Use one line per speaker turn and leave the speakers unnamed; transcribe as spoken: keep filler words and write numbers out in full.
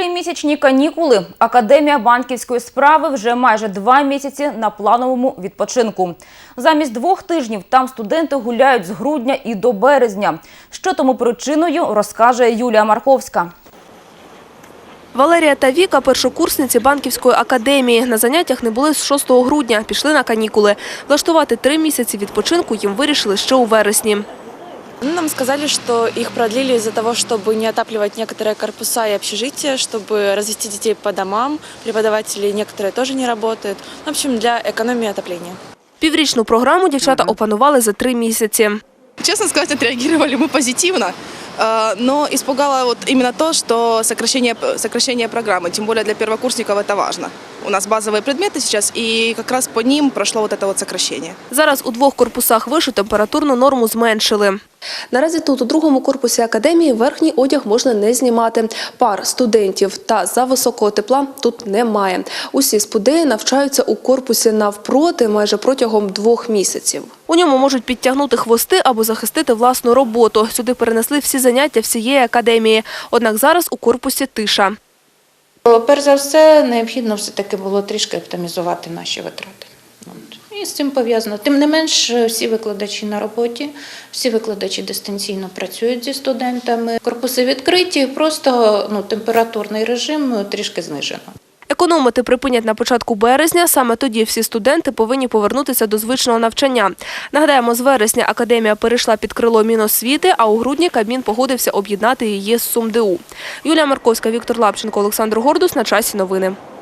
Тримісячні канікули. Академія банківської справи вже майже два місяці на плановому відпочинку. Замість двох тижнів там студенти гуляють з грудня і до березня. Що тому причиною, розкаже Юлія Марковська.
Валерія та Віка – першокурсниці банківської академії. На заняттях не були з шостого грудня, пішли на канікули. Влаштувати три місяці відпочинку їм вирішили ще у вересні.
Нам сказали, что их продлили из-за того, чтобы не отапливать некоторые корпуса и общежития, чтобы развести детей по домам. Преподаватели некоторые тоже не работают. В общем, для экономии отопления.
Піврічну програму дівчата опанували за три місяці.
Честно сказать, отреагировали мы позитивно, но испугало вот именно то, что сокращение, сокращение программы, тем более для первокурсников это важно. У нас базовые предметы сейчас, и как раз по ним прошло вот это вот сокращение.
Зараз у двох корпусах вишу температурну норму зменшили. Наразі тут, у другому корпусі академії, верхній одяг можна не знімати. Пар, студентів та за високого тепла тут немає. Усі спудеї навчаються у корпусі навпроти майже протягом двох місяців. У ньому можуть підтягнути хвости або захистити власну роботу. Сюди перенесли всі заняття всієї академії. Однак зараз у корпусі тиша.
Перш за все, необхідно все-таки було трішки оптимізувати наші витрати. І з цим пов'язано. Тим не менш, всі викладачі на роботі, всі викладачі дистанційно працюють зі студентами. Корпуси відкриті, просто ну, температурний режим трішки знижено.
Економити припинять на початку березня. Саме тоді всі студенти повинні повернутися до звичного навчання. Нагадаємо, з вересня академія перейшла під крило Міносвіти, а у грудні Кабмін погодився об'єднати її з СумДУ. Юлія Марковська, Віктор Лапченко, Олександр Гордус. На часі новини.